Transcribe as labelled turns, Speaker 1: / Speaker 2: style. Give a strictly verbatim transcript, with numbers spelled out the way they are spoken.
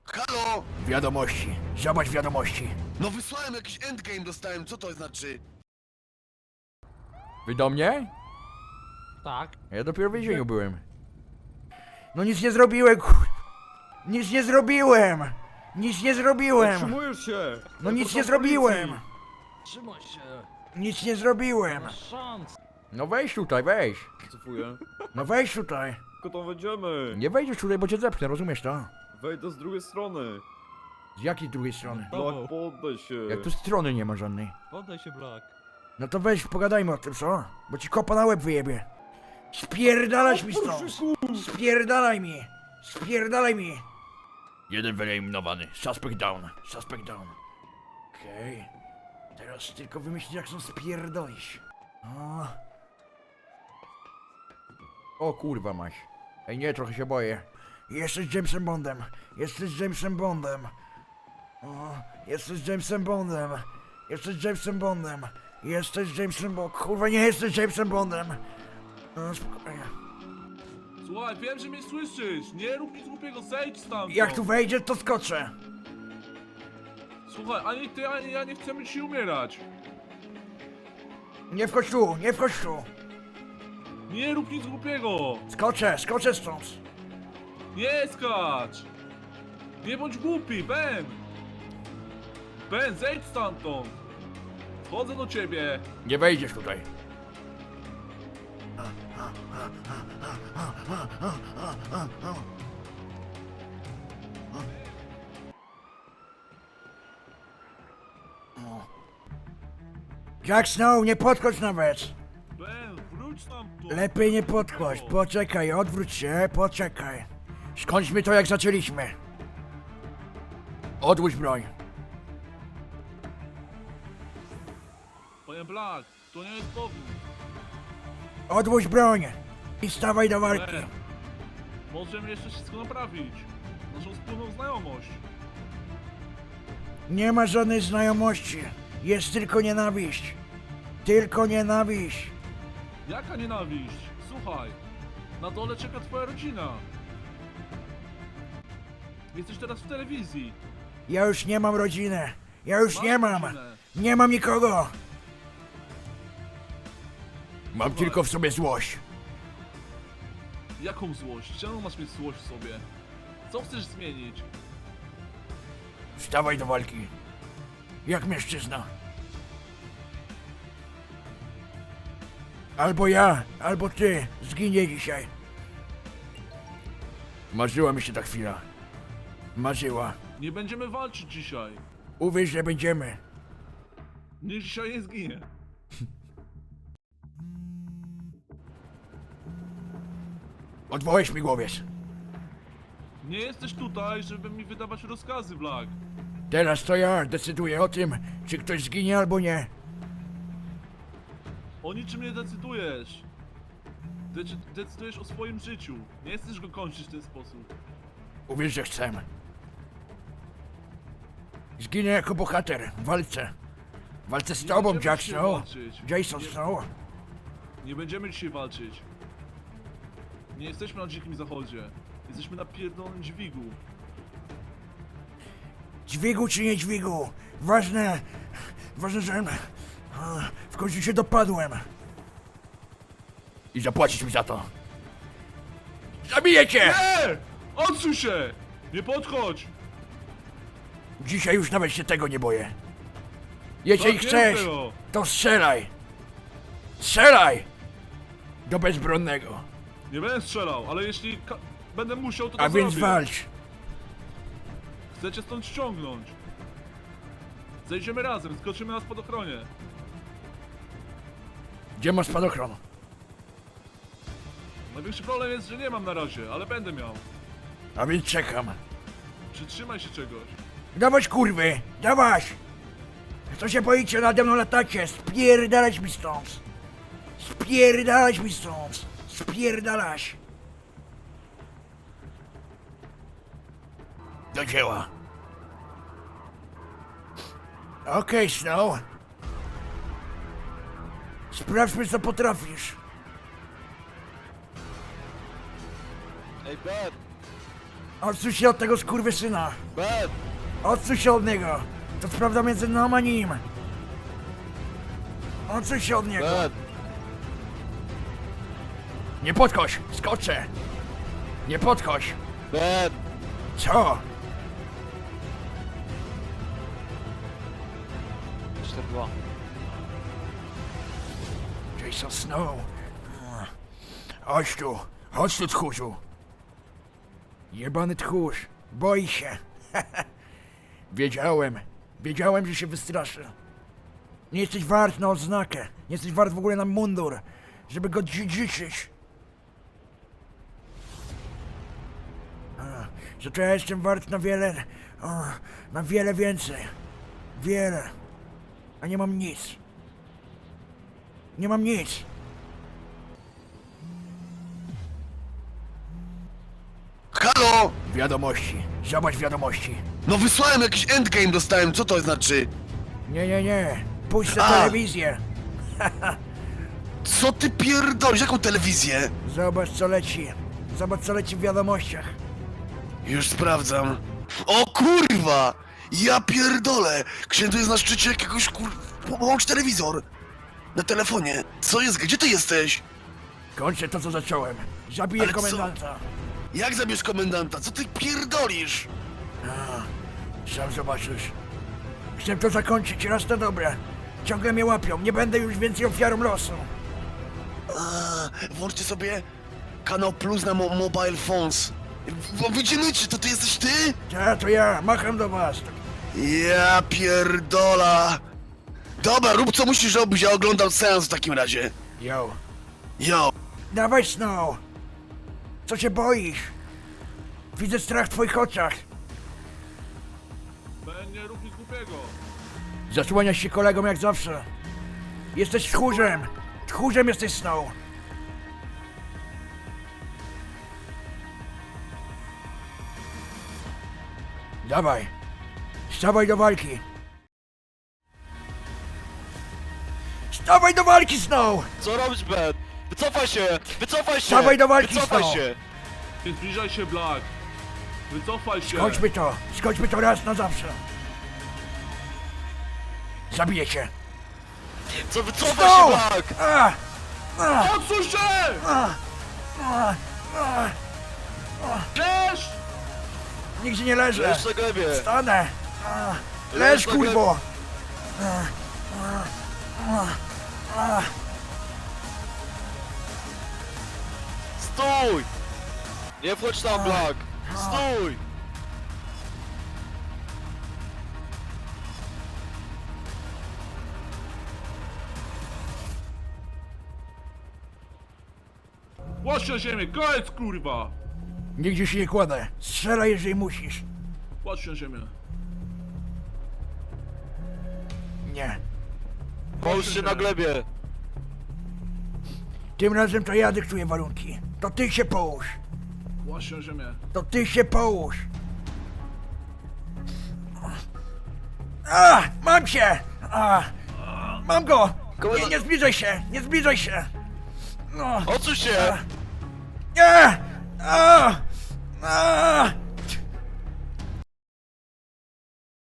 Speaker 1: Halo!
Speaker 2: Wiadomości. Zobacz wiadomości.
Speaker 1: No wysłałem jakiś endgame, dostałem, co to znaczy?
Speaker 2: Wy do mnie?
Speaker 3: Tak.
Speaker 2: Ja dopiero w więzieniu byłem. No nic nie zrobiłem, kur... Nic nie zrobiłem! Nic nie zrobiłem!
Speaker 4: Zatrzymujesz się!
Speaker 2: No nic
Speaker 4: Zapraszam
Speaker 2: nie zrobiłem!
Speaker 4: policji.
Speaker 3: Trzymaj się.
Speaker 2: Nic nie zrobiłem!
Speaker 3: Masz szans.
Speaker 2: No wejdź tutaj, wejdź!
Speaker 4: Cofuję.
Speaker 2: No wejdź tutaj!
Speaker 4: Tylko to wejdziemy.
Speaker 2: Nie wejdziesz tutaj, bo cię zepchnę, rozumiesz to?
Speaker 4: Wejdę z drugiej strony.
Speaker 2: Z jakiej drugiej strony?
Speaker 4: Black, poddaj się.
Speaker 2: Jak tu strony nie ma żadnej.
Speaker 3: Poddaj się, Black.
Speaker 2: No to weź, pogadajmy o tym, co? Bo ci kopa na łeb wyjebie. Spierdalać mi stąd! Spierdalaj mi! Spierdalaj mi! Jeden wyeliminowany. Suspect down. Suspect down. Okej. Okay. Teraz tylko wymyślić, jak są spierdolić. O. O kurwa maś. Ej nie, trochę się boję. Jesteś Jamesem Bondem. Jesteś Jamesem Bondem. O, jesteś Jamesem Bondem. Jesteś Jamesem Bondem. Jesteś Jamesem Bondem. Kurwa, nie jesteś Jamesem Bondem. No, spokojnie.
Speaker 5: Słuchaj, wiem, że mnie słyszysz! Nie rób nic głupiego, zejdź stamtąd!
Speaker 2: Jak tu wejdzie, to skoczę.
Speaker 5: Słuchaj, ani ty, ani ja nie chcemy ci umierać!
Speaker 2: Nie wchodź tu, nie wchodź tu.
Speaker 5: Nie rób nic głupiego!
Speaker 2: Skoczę, skoczę stąd.
Speaker 5: Nie skacz! Nie bądź głupi, Ben! Ben, zejdź stamtąd! Wchodzę do ciebie!
Speaker 2: Nie wejdziesz tutaj. Jack Snow, nie podchodź nawet.
Speaker 5: Ben, wróć stamtąd!
Speaker 2: Lepiej nie podchodź, poczekaj, odwróć się, poczekaj. Skończmy to jak zaczęliśmy. Odłóż broń.
Speaker 5: Panie Black, to nie jest powód!
Speaker 2: Odłóż broń i stawaj do walki.
Speaker 5: Ben, możemy jeszcze wszystko naprawić! Naszą wspólną znajomość!
Speaker 2: Nie ma żadnej znajomości. Jest tylko nienawiść. Tylko nienawiść.
Speaker 5: Jaka nienawiść? Słuchaj, na dole czeka twoja rodzina! Jesteś teraz w telewizji!
Speaker 2: Ja już nie mam rodziny. Ja już
Speaker 5: Masz
Speaker 2: nie mam.
Speaker 5: rodzinę.
Speaker 2: Nie mam nikogo. Mam
Speaker 5: Słuchaj.
Speaker 2: tylko w sobie złość.
Speaker 5: Jaką złość? Czemu masz mieć złość w sobie? Co chcesz zmienić?
Speaker 2: Wstawaj do walki. Jak mężczyzna. Albo ja, albo ty zginie dzisiaj. Marzyła mi się ta chwila. Marzyła.
Speaker 5: Nie będziemy walczyć dzisiaj!
Speaker 2: Uwierz, że będziemy.
Speaker 5: Niech dzisiaj nie zginie!
Speaker 2: Odwołaj śmigłowiec.
Speaker 5: Nie jesteś tutaj, żeby mi wydawać rozkazy, Black!
Speaker 2: Teraz to ja decyduję o tym, czy ktoś zginie albo nie.
Speaker 5: O niczym nie decydujesz! Decy decydujesz o swoim życiu. Nie chcesz go kończyć w ten sposób.
Speaker 2: Uwierz, że chcę. Zginę jako bohater w walce. W walce z
Speaker 5: Nie
Speaker 2: tobą,
Speaker 5: będziemy
Speaker 2: Jack
Speaker 5: dzisiaj
Speaker 2: Snow.
Speaker 5: walczyć.
Speaker 2: Jason
Speaker 5: Nie-
Speaker 2: Snow.
Speaker 5: Nie będziemy dzisiaj walczyć. Nie jesteśmy na dzikim zachodzie. Jesteśmy na pierdolonym dźwigu.
Speaker 2: Dźwigu czy nie dźwigu? Ważne... Ważne, że... a, w końcu się dopadłem. I zapłacisz mi za to. Zabiję cię!
Speaker 5: Nie! Odsuń się! Nie podchodź!
Speaker 2: Dzisiaj już nawet się tego nie boję. Jeżeli
Speaker 5: Tak,
Speaker 2: chcesz,
Speaker 5: nie było.
Speaker 2: to strzelaj! Strzelaj! Do bezbronnego.
Speaker 5: Nie będę strzelał, ale jeśli ka- będę musiał, to to
Speaker 2: A więc
Speaker 5: zrobię.
Speaker 2: walcz.
Speaker 5: Chcę cię stąd ściągnąć. Zejdziemy razem, skoczymy na spadochronie.
Speaker 2: Gdzie masz spadochron?
Speaker 5: Największy problem jest, że nie mam na razie, ale będę miał.
Speaker 2: A więc czekam.
Speaker 5: Przytrzymaj się czegoś.
Speaker 2: Dawać kurwy! Dawać! Co się boicie, nade mną latacie? Spierdalać mi stąd! Spierdalać mi stąd! Spierdalać! Do dzieła! Okej, okay, Snow. Sprawdźmy, co potrafisz.
Speaker 1: Ej, Ben!
Speaker 2: Odsuń się od tego skurwysyna!
Speaker 1: Ben!
Speaker 2: Odsuń się od niego! To prawda między mną a nim! Odsuń się od niego!
Speaker 1: Ben!
Speaker 2: Nie podchodź! Skoczę! Nie podchodź!
Speaker 1: Ben!
Speaker 2: Co?
Speaker 3: cztery dwa.
Speaker 2: Jason Snow. Chodź tu. Chodź tu, tchórzu. Jebany tchórz. Boi się. Wiedziałem. Wiedziałem, że się wystraszy. Nie jesteś wart na odznakę. Nie jesteś wart w ogóle na mundur, żeby go dziedziczyć. A, Że to ja jestem wart na wiele... O, na wiele więcej. Wiele. A nie mam nic. Nie mam nic.
Speaker 1: Halo!
Speaker 2: Wiadomości. Zobacz wiadomości.
Speaker 1: No wysłałem jakiś endgame dostałem, co to znaczy?
Speaker 2: Nie, nie, nie. Puść tę
Speaker 1: A.
Speaker 2: telewizję.
Speaker 1: Co ty pierdolisz? Jaką telewizję?
Speaker 2: Zobacz co leci. Zobacz co leci w wiadomościach.
Speaker 1: Już sprawdzam. O kurwa! Ja pierdolę! Księdzu jest na szczycie jakiegoś kur... Połącz telewizor! Na telefonie. Co jest? Gdzie ty jesteś?
Speaker 2: Kończę to co zacząłem. Zabiję
Speaker 1: Ale co?
Speaker 2: komendanta.
Speaker 1: Jak zabierz komendanta? Co ty pierdolisz?
Speaker 2: Sam zobaczysz. Chcę to zakończyć raz na dobre. Ciągle mnie łapią. Nie będę już więcej ofiarą losu.
Speaker 1: A, włączcie sobie kanał Plus na mo Mobile Phones. W- Widzimy czy to ty jesteś ty?
Speaker 2: Ja, to ja. Macham do was.
Speaker 1: Ja pierdola. Dobra, rób co musisz robić, ja oglądam seans w takim razie.
Speaker 2: Yo.
Speaker 1: Yo.
Speaker 2: Dawaj, Snow. Co się boisz? Widzę strach w twoich oczach.
Speaker 5: Ben, nie rób nic głupiego.
Speaker 2: Zasłaniasz się kolegom jak zawsze. Jesteś tchórzem. Tchórzem jesteś, Snow. Dawaj. Stawaj do walki. Stawaj do walki, Snow!
Speaker 6: Co robisz, Ben? Wycofaj się! Wycofaj się!
Speaker 2: Dawaj do walki,
Speaker 6: Wycofaj
Speaker 2: Snow!
Speaker 6: się!
Speaker 5: Nie zbliżaj się, Black. Wycofaj się.
Speaker 2: Skończmy to. Skończmy to raz na zawsze. Zabiję cię.
Speaker 6: Co wycofaj
Speaker 2: Snow!
Speaker 6: się, Black!
Speaker 2: A! A!
Speaker 5: Odsuń się!
Speaker 2: A! A!
Speaker 5: Leż!
Speaker 2: Nigdzie nie leżę.
Speaker 6: Leż na glebie!
Speaker 2: Stanę. A! Leż,
Speaker 6: Leż na
Speaker 2: kurwo.
Speaker 6: Stój! Nie wchodź tam, Black! Stój!
Speaker 5: Łódź na ziemię, koniec, kurwa!
Speaker 2: Nigdzie się nie kładę. Strzelaj, jeżeli musisz.
Speaker 5: Łódź na ziemię.
Speaker 2: Nie.
Speaker 6: Połóż się na glebie!
Speaker 2: Tym razem to ja dyktuję warunki. To ty się połóż.
Speaker 5: Łódź na ziemię.
Speaker 2: To ty się połóż. A! Mam cię! A! Mam go! Nie, nie zbliżaj się! Nie zbliżaj się! No!
Speaker 6: Odsuń się!
Speaker 2: Nie! A! A!